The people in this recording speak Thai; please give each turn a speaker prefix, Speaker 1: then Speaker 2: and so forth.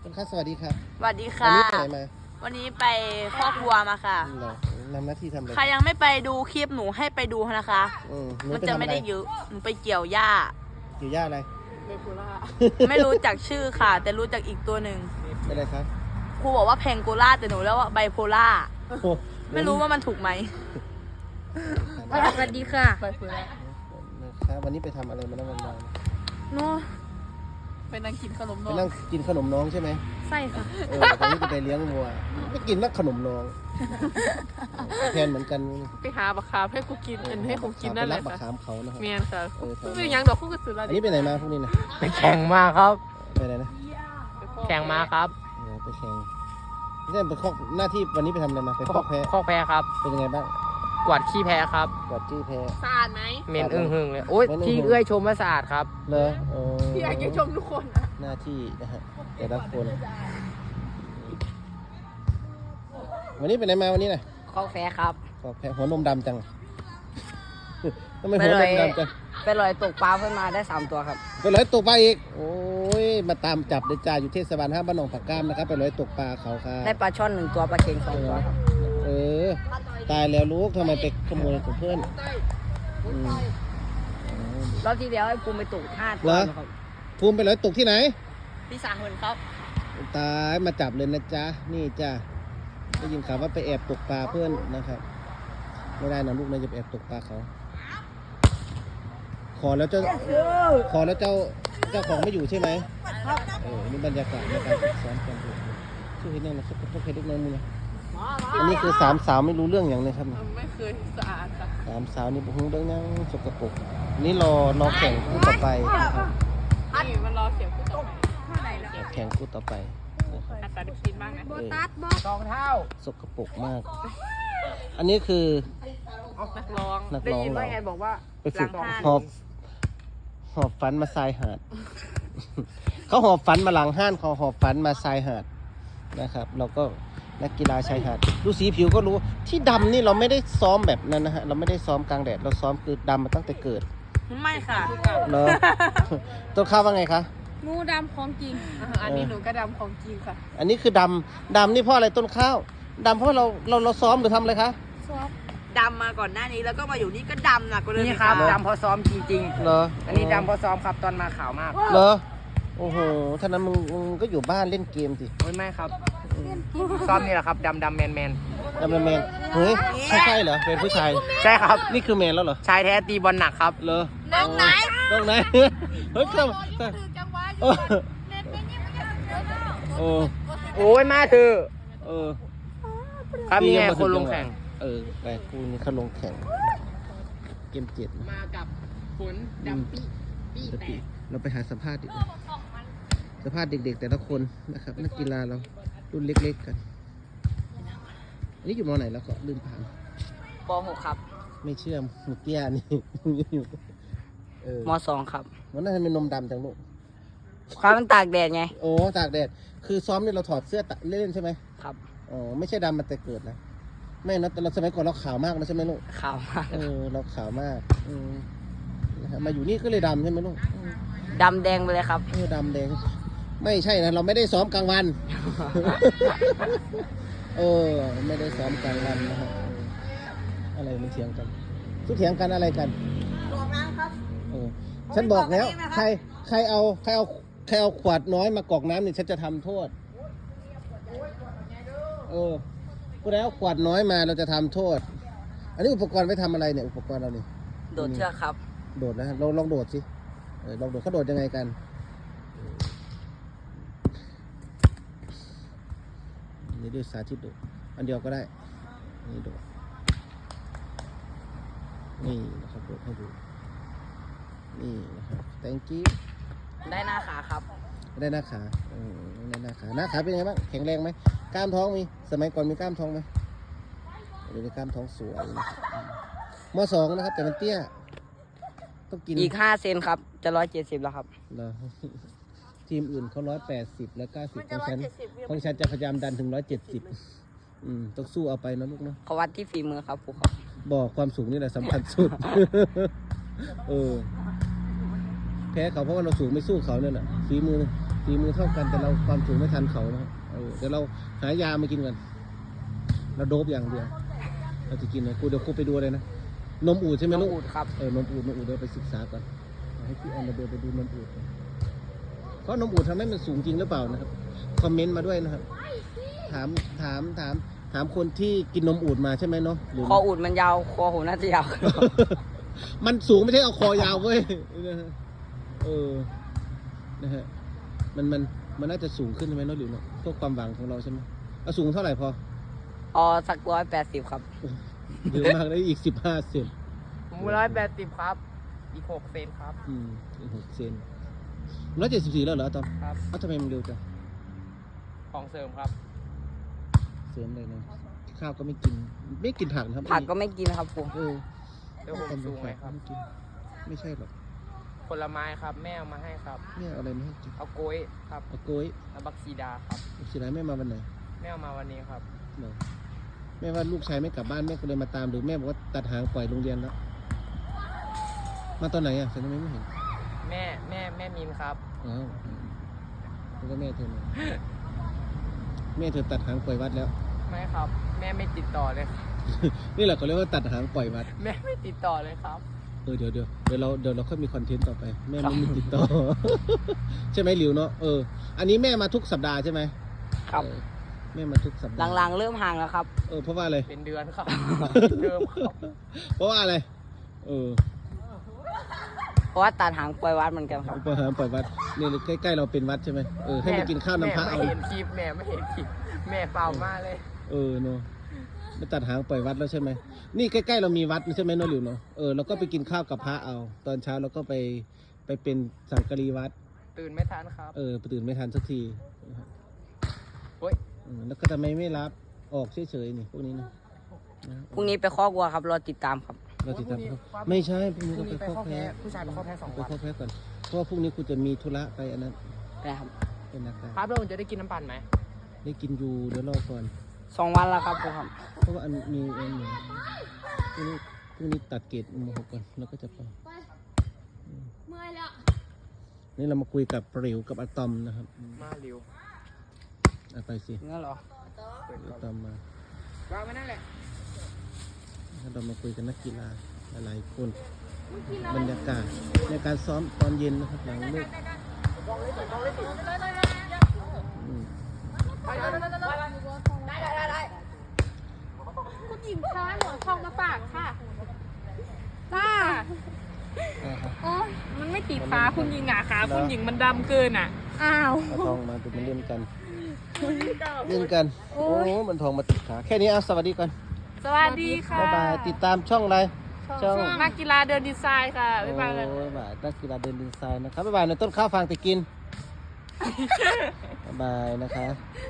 Speaker 1: คุณค่าสวัสดีครับ
Speaker 2: สวัสดี
Speaker 1: วัน
Speaker 2: ค่ะ
Speaker 1: นี้ไปไหนมา
Speaker 2: วันนี้ไปคอกวัวมาค่ะ
Speaker 1: เหรอนำหน้าที่ทำอะไร
Speaker 2: ใครยังไม่ไปดูคลิปหนูให้ไปดูนะคะ
Speaker 1: หนู
Speaker 2: มัน
Speaker 1: ไป
Speaker 2: จะ
Speaker 1: ทำ
Speaker 2: ไม่
Speaker 1: อะไร
Speaker 2: ได้เยอะหนูไปเกี่ยวหญ้า
Speaker 1: อยู่ย่าอะไร
Speaker 2: ไม่รู้จักชื่อค่ะ แต่รู้จักอีกตัวหนึ่ง
Speaker 1: เป็นอะไรครับ
Speaker 2: ครูบอกว่าแพงโกล่าแต่หนูแล้วว่าไบโพล่า
Speaker 1: โอ้โห
Speaker 2: ไม่รู้ว่ามันถูกไหม
Speaker 3: สวัสดีค่ะ
Speaker 2: ไบโพล่า
Speaker 1: นะครับวันนี้ไปทำอะไรมาแล้ววันวาน
Speaker 2: หนู
Speaker 4: ไปนั่งกินขนม
Speaker 1: ไป
Speaker 4: นม
Speaker 1: นั่งกินขนมน้องใช่ไหม
Speaker 3: ใช่ค่ะ
Speaker 1: ตอนนี้จะไปเลี้ยงวัวไม่กินนักขนมน้องแทนเหมือนกัน
Speaker 4: ไปหาบักคาให้กูกินอันให้ผมกินนั่นแหละ
Speaker 1: ไปรับบัก
Speaker 4: ค่ะ
Speaker 1: ขามเขานะครับ
Speaker 4: เมียนค่ะ
Speaker 1: แถว
Speaker 4: คือ
Speaker 1: นี้
Speaker 4: ยังดอกคู่กับสุรา
Speaker 1: อันนี้ไปไหนมาพวกนี้นะ
Speaker 5: ไปแข่งมาครับ
Speaker 1: ไปไหนนะ
Speaker 5: แข่งมาครับ
Speaker 1: ไปแข่งนี่เป็นข้อหน้าที่วันนี้ไปทำอะไรมาไปคอกแพะ
Speaker 5: ข้อแพ้ครับ
Speaker 1: เป็นยังไงบ้าง
Speaker 5: กวาดขี้แพ้ครับ
Speaker 1: กวาดจี้แพะ
Speaker 4: สะอาดไหม
Speaker 5: เหม็นอึ้งหึงเลยโอ๊ย
Speaker 1: เหม็นอึ้งหึง
Speaker 5: ที่เอื้อยชมว่าสะอาดครับ
Speaker 1: เหรอ
Speaker 4: พี่อยากจะชมทุกคนอะ
Speaker 1: หน้าที่นะฮะแต่ละคนวันนี้ไปไหนมาวันนี้น่ะ
Speaker 5: ข้อแพ้ครับ
Speaker 1: ขอแพะหัวนมดำจังทำไมหัวนมดำจัง
Speaker 5: ไปลอยตกปลาเพิ่มมาได้3ตัวครับ
Speaker 1: ไปลอยตกปลาอีกโอ้ยมาตามจับเดจ่าอยู่เทศบาล5บ้านหนองผักก้ามนะครับไปลอยตกปลาเขาค่ะ
Speaker 5: ได้ปลาช่อน1ตัวปลาเค็ง2ตัวครับ
Speaker 1: เออตายแล้วลูกทำไมไปขโมยของเพื่อนอืม
Speaker 5: รอบที่แล้วให้ภูมิไปตก5ตัวครับ
Speaker 1: ภูมิไปลอยตกที่ไหน
Speaker 2: พี่สาหุ่นครับ
Speaker 1: ตายมาจับเลยนะจ๊ะนี่จ้ะได้ยินข่าวว่าไปแอบตกปลาเพื่อนนะครับไม่ได้นะลูกนะจะไปแอบตกปลาเขา ขอแล้วเจ้าเจ้าของไม่อยู่ใช่ไหมนี่บรรยากาศในการฝึกซ้อมกันดูชื่อเห็นยังนะครับต้องเคยเล็กน้อยมึงนะอันนี้คือ3 สาวไม่รู้เรื่องอย่างเลยครับ
Speaker 4: ไม่เคยสะอาดค่ะ
Speaker 1: 3 สาวนี่บุ้งเรื่องยังสกปรกนี่รอแข่งคู่ต่อไปนะครับ
Speaker 4: นี่มันรอเสียงผู้ต่อไป
Speaker 1: แข่งคู่ต่อไปนะครับ
Speaker 4: อัตราดิบซินบ้างนะ
Speaker 5: สองเท่า
Speaker 1: สกปรกมาก อันนี้คือ
Speaker 4: นักร้อง
Speaker 1: นัก
Speaker 5: ได้
Speaker 1: ร้อง
Speaker 5: ยิน
Speaker 1: เรา
Speaker 5: ว่าไงบอกว่า
Speaker 1: ไปฝึก
Speaker 5: หลัง
Speaker 1: หอบฝันมาทรายหาด เขาหอบฝันมาหลังห้านเขาหอบฝันมาทรายหาดนะครับ เราก็นักกีฬาชายหาดดูสีผิวก็รู้ที่ดำนี่เราไม่ได้ซ้อมแบบนั้นนะฮะเราไม่ได้ซ้อมกลางแดดเราซ้อมคือดำมาตั้งแต่เกิด
Speaker 2: ไม่ค่ะ
Speaker 1: เนอะ ต้นข้าวว่าไงคะ
Speaker 3: หมูดำของจริง
Speaker 4: อันนี้หนูก็ดำของจริงค่ะ
Speaker 1: อันนี้คือดำนี่เพราะอะไรต้นข้าวดำเพราะเราซ้อมหรือทำอะไรคะ
Speaker 2: ดำมาก่อนหน้านี้แล้วก็มาอยู่นี่ก็ดำหนักกว่าเดิม
Speaker 5: นี่
Speaker 2: อีก
Speaker 5: ครับ
Speaker 2: ค่ะ
Speaker 5: ดำเพอซ้อมจริง
Speaker 1: เหรอ
Speaker 5: ๆ อันนี้ดำเพอซ้อมครับตอนมาขาวมาก
Speaker 1: เหรอโอ้โหท่านั้นมึงก็อยู่บ้านเล่นเกมสิ
Speaker 5: โอ้ยไม่ครับซ้อมนี่แหละครับดำแมน
Speaker 1: ดำแมนเฮ้ยใช่เหรอเป็นผู้ชาย
Speaker 5: ๆใช่ครับ
Speaker 1: นี่คือแมนแล้วเหรอ
Speaker 5: ชายแท้ตีบอลหนักครับ
Speaker 1: เหรอน้องไหนน้องไหนเฮ้ยเข้าเออเออ
Speaker 5: โอ้ยมาเถอะ
Speaker 1: เออ
Speaker 5: ครับนี่ไงคนลงแข่ง
Speaker 1: แต่กูนี่เขาลงแข่งเกม7นะ
Speaker 5: มากับฝนดำปี้แตก
Speaker 1: เราไปหาสัมภาษณ์ดิสัมภาษณ์เด็กๆแต่ละคนนะครับนักกีฬาเรารุ่นเล็กๆกันอันนี้อยู่มอไหนแล้วก็ลืมถาม
Speaker 5: ป .6 ครับ
Speaker 1: ไม่เชื่อมหมูเตี้ยนี่ อยู่
Speaker 5: ม .2 ครับ
Speaker 1: มันน่าจะเป็นนมดำจังลูก
Speaker 5: ความมันตากแดดไง
Speaker 1: โอ้ตากแดดคือซ้อมนี่เราถอดเสื้อเล่นใช่ไหม
Speaker 5: ครับ
Speaker 1: อ๋อไม่ใช่ดำมาแต่เกิดนะไม่นะแต่เราสมัยก่อนเราขาวมากนะใช่ไหมลูก
Speaker 5: ขาวมาก
Speaker 1: เราขาวมากนะฮะมาอยู่นี่ก็เลยดำใช่ไหมลูก
Speaker 5: ดำแดงไปเลยครับ
Speaker 1: ดำแดงไม่ใช่นะเราไม่ได้ซ้อมกลางวัน ไม่ได้ซ้อมกลางวันนะฮะอะไรมันเถียงกันทุกเถียงกันอะไรกันบอกน้ำครับฉันบอกแล้วใครเอาขวดน้อยมากรอกน้ำนี่ฉันจะทำโทษผู้ใดเอาขวดน้อยมาเราจะทำโทษ อันนี้อุปกรณ์ไว้ทำอะไรเนี่ยอุปกรณ์เรานี่
Speaker 5: โดดเชือกครับ
Speaker 1: โดดนะเราลองโดดสิลองโดดเขาโดดยังไงกันนี่ด้วยสาธิตโดดอันเดียวก็ได้นี่โดดนี่นะครับโดดให้ดูนี่นะครับ thank you
Speaker 5: ได้หน้าขาครับ
Speaker 1: ได้หน้าขาได้หน้าขาเป็นยังไงบ้างแข็งแรงไหมกล้ามท้องมีสมัยก่อนมีกล้ามท้องไหมเดี๋ยวนี้กล้ามท้องสวยนะครับม.2 นะครับแต่มันเตี้ยต้องกิน
Speaker 5: อีก5 เซนครับ จะ170แล้วครับ
Speaker 1: เหรอ ทีมอื่นเขา180และ90ของฉันจะพยายามดันถึง170ต้องสู้เอาไปนะลูกเนาะ
Speaker 5: เขาวัดที่ฝีมือครับครูครับ
Speaker 1: บอกความสูงนี่แหละสำคัญสุด แพ้เขาเพราะว่าเราสูงไม่สู้เขาเนี่ยแหละฝีฝีมือเท่ากันแต่เราความสูงไม่ทันเขานะเดี๋ยวเราหายามากินกันเราโดบอย่างเดียวเราจะกินเลยเดี๋ยวครูไปดูเลยนะนมอูดใช่ไหม
Speaker 5: น้อง
Speaker 1: ลูก
Speaker 5: อูดครับ
Speaker 1: นมอูดเดี๋ยวไปศึกษาก่อนให้พี่แอนเดินไปดูนมอูดก่อนเพราะนมอูดทำให้มันสูงจริงหรือเปล่านะครับคอมเมนต์มาด้วยนะครับถามคนที่กินนมอูดมาใช่ไหมเนาะหรือ
Speaker 5: คออูดมันยาวคอหูน่าจะยาว
Speaker 1: มันสูงไม่ใช่เอาคอยาวเว้ยนะฮะนะฮะมันน่าจะสูงขึ้นใช่ไหมเนาะหรือเนาะพวกความหวังของเราใช่ไหมเอาสูงเท่าไหร่พอ
Speaker 5: สัก180ครับ
Speaker 1: เยอะมากเลยอีก15 เซน
Speaker 4: ผม180ครับ อีก6 เซนครับ
Speaker 1: อีก6 เซน174แล้วเหรอตอม
Speaker 4: ครับ
Speaker 1: ทำไมมันเร็วจัง
Speaker 4: ของเสริมครับ
Speaker 1: เสริมเลยนะข้าวก็ไม่กินผักนะครับ
Speaker 5: ผักก็ไม่กินครับครู
Speaker 4: เดี๋ยวผมสูงไหมครับ
Speaker 1: ไม่กินไม่ใช่หรอก
Speaker 4: ผลไม้ครับ แม่เอามาให้ครับ
Speaker 1: เนี่ยเอาอะไรมาให้กิน
Speaker 4: เอากล้วยครับ
Speaker 1: เอากล้วย
Speaker 4: แล้วบักซีดาครับ
Speaker 1: สิไรแม่มาวันไหน
Speaker 4: แม่เอามาวันนี้ครับ
Speaker 1: เหรอแม่ว่าลูกชายไม่กลับบ้านแม่ก็เลยมาตามหรือแม่บอกว่าตัดหางปล่อยโรงเรียนแล้วมาตอนไหนอ่ะฉันทำไมไม่เห็น
Speaker 4: แม่มินครับ
Speaker 1: อ้าวแล้วก็แม่เธอมาแม่เธอตัดหางปล่อยวัดแล้ว
Speaker 4: ไม่ครับ แม่ไม่ติดต่อเลยครับ
Speaker 1: นี่แหละเขาเรียกว่าตัดหางปล่อยวัด
Speaker 4: แม่ไม่ติดต่อเลยครับ
Speaker 1: เดี๋ยวเราค่อยมีคอนเทนต์ต่อไป แม่ไม่มีติดต่อ ใช่ไหมหลิวเนาะอันนี้แม่มาทุกสัปดาห์ใช่ไหม
Speaker 5: ครับ
Speaker 1: แม่มาทุกสัปดาห์
Speaker 5: หลังๆเริ่มห่างแล้วครับ
Speaker 1: เพราะว่าอะไร
Speaker 4: เป็นเดือนครับ เดิมครับ
Speaker 1: เพราะว่าอะไร
Speaker 5: เพราะว่าตัดหางปล่อยวัดเหมือนกันครับ
Speaker 1: ปล่อยหางปล่อยวัดเนี่ยใกล้ๆเราเป็นวัดใช่ไหมให้ไปกินข้าวน้ำพระ
Speaker 4: แม่
Speaker 1: เอา
Speaker 4: ไม่เห็นคลิปแม่ไม่เห็นคลิปแม่เปล่ามาเลย
Speaker 1: เนาะไม่ตัดหางปล่อยวัดแล้วใช่ไหมนี่ใกล้ๆเรามีวัดใช่ไหมเนาะหลิวเนาะเราก็ไปกินข้าวกับพระเอา ตอนเช้าเราก็ไปเป็นสังกะรีวัด
Speaker 4: ตื่นไม่ทันครับ
Speaker 1: ตื่นไม่ทันสักทีนะครับ
Speaker 4: โอ๊ย
Speaker 1: แล้วก็ทำไมไม่รับออกเฉยๆนี่พวกนี้นะ
Speaker 5: พรุ่งนี้ไปข้อกวัวครับ รอติดตามครับ
Speaker 1: เราติดตามเขาไม่ใช่พรุ่งนี้
Speaker 4: พรุ่
Speaker 1: เรา
Speaker 4: ง
Speaker 1: ไป
Speaker 4: นี้ไป
Speaker 1: ข้อ
Speaker 4: ข้อ
Speaker 1: แพ้
Speaker 4: แพ้ผู้ชายไปข้อแพ้2
Speaker 1: ไป
Speaker 4: วัน
Speaker 1: ข้อแพ้ก่อนเพราะว่าพรุ่งนี้คุณจะมีธุระไปอันนั้น
Speaker 5: นะครับ
Speaker 1: เป็นนักการ
Speaker 4: ครับแล้วผมจะได้กินน้ำปั่นไหม
Speaker 1: ได้กินอยู่เดี๋ยวรอก่อน
Speaker 5: 2 วันแล้วครับครูครับ
Speaker 1: เพราะว่าอันมีพรุ่งนี้ตัดเกรดม.6ก่อนแล้วก็จะไป
Speaker 3: เมื่อยแล้ว
Speaker 1: นี่เรามาคุยกับปริวกับอะตอมนะครับ
Speaker 4: มาเร็ว
Speaker 1: เอาไปสิ
Speaker 5: งั้นเหรอ
Speaker 1: อะตอมมาว
Speaker 4: างไว้นั่นแหละ
Speaker 1: เรามาคุยกับนักกีฬาหลายๆคนบรรยากาศในการซ้อมตอนเย็นนะครับหลังเลิกอืม
Speaker 3: คุณหญิงคะหนูเอาทองมาฝากค่ะจ้า
Speaker 1: อ่าครับ
Speaker 3: โอ้ย
Speaker 4: มันไม่ติดขาคุณหญิงอ่ะขาคุณหญิงมันดำเกินอ่ะ
Speaker 3: อ้าว
Speaker 1: เอาทองมาดูมันเล่นกันโอ้มันทองมาติดขาแค่นี้เอาสวัสดีก่อน
Speaker 4: สวัสดีค่ะ
Speaker 1: บ๊ายบายติดตามช่องอะไรช่อง
Speaker 4: นักกีฬาเดินดีไซน์ค่ะบ๊ายบายเลย
Speaker 1: โอ้ยบายนักกีฬาเดินดินทรายนะครับบ๊ายบายในต้นข้าวฟางตะกิน บ๊ายบายนะคะ